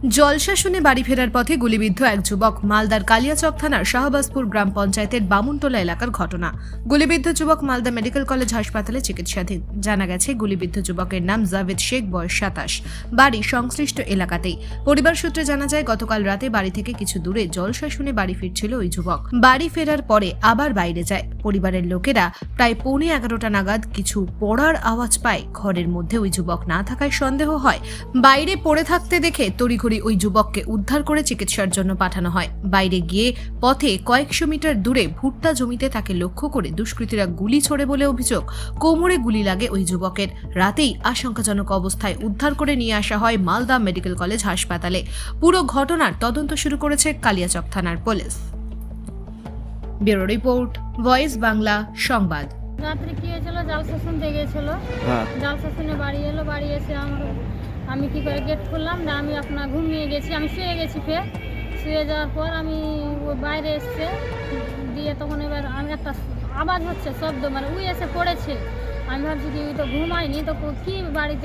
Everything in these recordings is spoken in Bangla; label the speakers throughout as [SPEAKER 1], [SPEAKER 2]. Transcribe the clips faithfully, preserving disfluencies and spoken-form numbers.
[SPEAKER 1] জলসা শুনে বাড়ি ফেরার পথে গুলিবিদ্ধ এক যুবক। মালদার কালিয়াচক থানার শাহবাজপুর গ্রাম পঞ্চায়েতের বামুনটোলা এলাকার ঘটনা। গুলিবিদ্ধ যুবক মালদা মেডিকেল কলেজ হাসপাতালে চিকিৎসাধীন। জানা গেছে, গুলিবিদ্ধ যুবকের নাম জাভেদ শেখ, বয়স সাতাশ, বাড়ি সংশ্লিষ্ট এলাকাতেই। পরিবার সূত্রে জানা যায়, গতকাল রাতে বাড়ি থেকে কিছু দূরে জলসা শুনে বাড়ি ফিরছিল ওই যুবক। বাড়ি ফেরার পরে আবার বাইরে যায়। পরিবারের লোকেরা প্রায় পৌনে এগারোটা নাগাদ কিছু পড়ার আওয়াজ পায়। ঘরের মধ্যে ওই যুবক না থাকায় সন্দেহ হয়। বাইরে পড়ে থাকতে দেখে তড়িঘড়ি ওই যুবককে উদ্ধার করে চিকিৎসার জন্য পাঠানো হয়। বাইরে গিয়ে পথে কয়েকশো মিটার দূরে ভুট্টা জমিতে তাকে লক্ষ্য করে দুষ্কৃতীরা গুলি ছোড়ে বলে অভিযোগ। কোমরে গুলি লাগে ওই যুবকের। রাতেই আশঙ্কাজনক অবস্থায় উদ্ধার করে নিয়ে আসা হয় মালদা মেডিকেল কলেজ হাসপাতালে। পুরো ঘটনার তদন্ত শুরু করেছে কালিয়াচক থানার পুলিশ। ব্যুরো রিপোর্ট, ভয়েস বাংলা সংবাদ।
[SPEAKER 2] রাত্রে কি হয়েছিল, জালসা শুনতে গিয়েছিল। জালসা শুনে বাড়ি এলো। বাড়ি এসে আমার আমি কি করে গেট খুললাম না, আমি আপনার ঘুমিয়ে গেছি, আমি শুয়ে গেছি। ফের শুয়ে যাওয়ার পর আমি ওই বাইরে এসছে দিয়ে তখন এবার আমি একটা আওয়াজ হচ্ছে, শব্দ, মানে উই এসে পড়েছে। আমি ভাবছি কি ওই তো ঘুমায়নি, তো কি বাড়িতে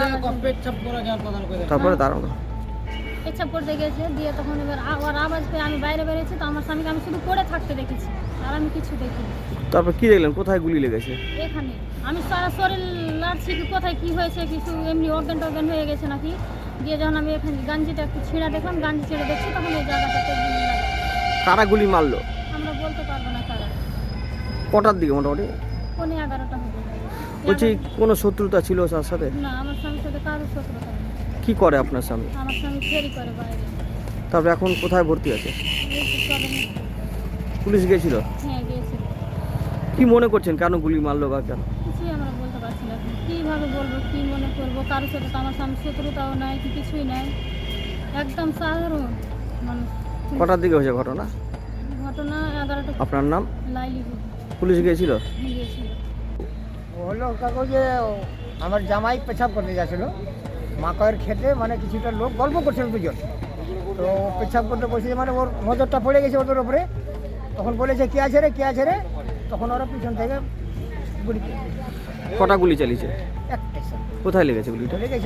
[SPEAKER 3] তারপরে দাঁড়ানো
[SPEAKER 2] পেচ্ছাপ করতে গেছে। দিয়ে তখন এবার আবার আওয়াজ পেয়ে আমি বাইরে বেরিয়েছি, তো আমার স্বামীকে আমি শুধু পড়ে থাকতে দেখেছি, আর আমি কিছু দেখিনি।
[SPEAKER 3] তারপর কি দেখলেন, কোথায় গুলি লেগেছে?
[SPEAKER 2] এখানে আমি সারা শরীর লাড়ছি, কি কোথায় কি হয়েছে, কিছু এমনি অজ্ঞান টজ্ঞান হয়ে গেছে নাকি। দিয়ে যখন আমি এখানে গাঞ্জিটা একটু ছিঁড়া দেখলাম, গাঞ্জি ছেড়ে দেখছি, তখন এই জায়গাটাতে গুলি লাগা।
[SPEAKER 3] কারা গুলি মারলো
[SPEAKER 2] আমরা বলতে পারবো না কারা।
[SPEAKER 3] কটার দিকে মোটামুটি?
[SPEAKER 2] পৌনে এগারোটা হবে।
[SPEAKER 3] বলছি, কোনো শত্রুতা ছিল তার সাথে?
[SPEAKER 2] না, আমার স্বামীর সাথে কারোর শত্রুতা নেই।
[SPEAKER 3] কি করে আপনার স্বামী?
[SPEAKER 2] আমার স্বামী ফেরি করে বাইরে।
[SPEAKER 3] তারপরে এখন কোথায় ভর্তি আছে?
[SPEAKER 2] এই তো চলে না।
[SPEAKER 3] পুলিশ গেছিল?
[SPEAKER 2] হ্যাঁ, গিয়েছিল।
[SPEAKER 3] কি মনে করছেন, কেন গুলি মারলো বা কেন?
[SPEAKER 2] কিছুই আমরা বলতে পারছি না। কীভাবে বলবো, কী মনে করবো? কারোর সাথে তো আমার স্বামীর শত্রুতাও নাই, কি কিছুই নাই, একদম সাধারণ মানুষ।
[SPEAKER 3] কটার দিকে হয়েছে ঘটনা?
[SPEAKER 2] ঘটনা এগারোটা।
[SPEAKER 3] আপনার নাম?
[SPEAKER 2] লাইলি
[SPEAKER 3] পুলিশ গিয়েছিল?
[SPEAKER 2] গিয়েছিল।
[SPEAKER 4] হলো কাগজে আমার জামাই পেছাব করতে যাচ্ছিল মাকয়ের খেতে, মানে কিছুটা লোক গল্প করছিল দুজন। তো পেছাব করতে বসেছে, মানে ওর নজরটা পড়ে গেছে ওদের ওপরে। তখন বলেছে কে আছে রে, কে আছে রে। তখন ওরা পিছন থেকে গুলি করে।
[SPEAKER 3] কটা গুলি চালিয়েছে?
[SPEAKER 4] একটা
[SPEAKER 3] কোথায় লেগেছে গুলিটা?
[SPEAKER 4] লেগেছে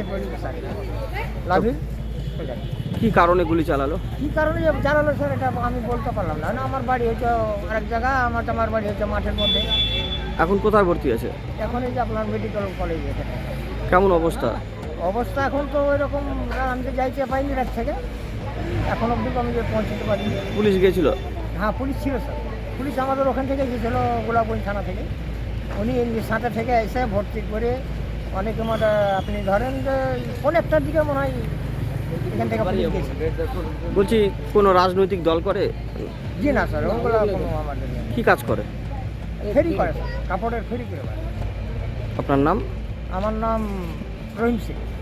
[SPEAKER 4] লাভির।
[SPEAKER 3] কি কারণে গুলি চালালো?
[SPEAKER 4] কী কারণে যে জানালো স্যার, এটা আমি বলতে পারলাম না। না, আমার বাড়ি হচ্ছে আরেক জায়গা, আমার আমার বাড়ি হচ্ছে মাঠের মধ্যে।
[SPEAKER 3] এখন কোথায় ভর্তি আছে?
[SPEAKER 4] এখন এই যে আপনার মেডিকেল কলেজে।
[SPEAKER 3] কেমন অবস্থা?
[SPEAKER 4] অবস্থা এখন তো ওই রকম, আমি তো যাইতে পাইনি রাত থেকে, এখন অবধি আমি যে পৌঁছতে পারিনি।
[SPEAKER 3] পুলিশ গিয়েছিল?
[SPEAKER 4] হ্যাঁ, পুলিশ ছিল স্যার। পুলিশ আমাদের ওখান থেকে গিয়েছিল, গোলাপগঞ্জ থানা থেকে। উনি সাঁটা থেকে এসে ভর্তি করে অনেক মানে আপনি ধরেন যে কোন একটার দিকে মনে হয় এখান থেকে পুলিশ গিয়েছে।
[SPEAKER 3] বলছি, কোনো রাজনৈতিক দল করে?
[SPEAKER 4] জি না স্যার, ওগুলো কোনো আমাদের নেই।
[SPEAKER 3] কি কাজ করে?
[SPEAKER 4] ফেরি করে স্যার, কাপড়ের ফেরি করে।
[SPEAKER 3] আপনার নাম?
[SPEAKER 4] আমার নাম রহিম সিং।